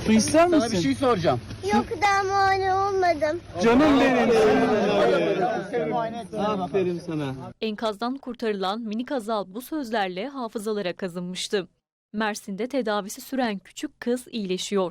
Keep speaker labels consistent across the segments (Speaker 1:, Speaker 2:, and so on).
Speaker 1: Su ister misin?
Speaker 2: Sana bir şey soracağım.
Speaker 3: Yok, daha muayene olmadım.
Speaker 1: Canım benim.
Speaker 2: Aferin sana.
Speaker 4: Enkazdan kurtarılan minik Hazal bu sözlerle hafızalara kazınmıştı. Mersin'de tedavisi süren küçük kız iyileşiyor.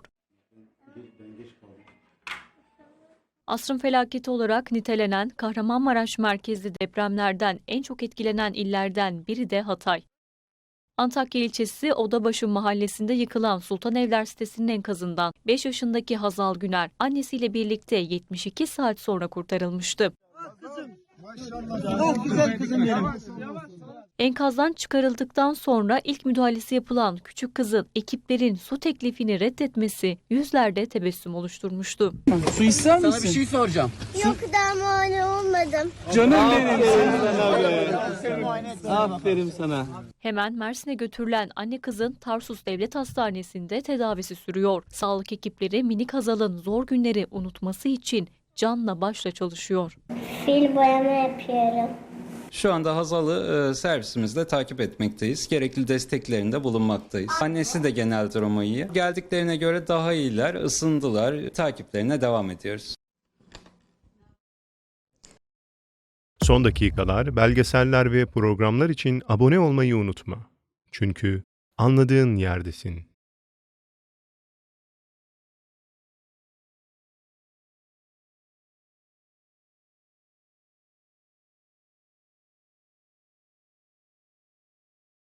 Speaker 4: Asrın felaketi olarak nitelenen Kahramanmaraş merkezli depremlerden en çok etkilenen illerden biri de Hatay. Antakya ilçesi Odabaşı mahallesinde yıkılan Sultanevler sitesinin enkazından 5 yaşındaki Hazal Güner annesiyle birlikte 72 saat sonra kurtarılmıştı.
Speaker 1: Çok güzel kızım benim.
Speaker 4: Enkazdan çıkarıldıktan sonra ilk müdahalesi yapılan küçük kızın ekiplerin su teklifini reddetmesi yüzlerde tebessüm oluşturmuştu.
Speaker 1: Su ister
Speaker 2: Sana bir
Speaker 1: misin?
Speaker 2: şey soracağım.
Speaker 3: Yok, daha muayene olmadım.
Speaker 1: Canım benim.
Speaker 2: Aferin sana.
Speaker 4: Hemen Mersin'e götürülen anne kızın Tarsus Devlet Hastanesi'nde tedavisi sürüyor. Sağlık ekipleri minik Hazal'ın zor günleri unutması için canla başla çalışıyor.
Speaker 3: Fil boyama yapıyorum.
Speaker 5: Şu anda Hazal'ı servisimizde takip etmekteyiz. Gerekli desteklerinde bulunmaktayız. Annesi de genel durumu iyi. Geldiklerine göre daha iyiler, ısındılar. Takiplerine devam ediyoruz.
Speaker 6: Son dakikalar, belgeseller ve programlar için abone olmayı unutma. Çünkü anladığın yerdesin.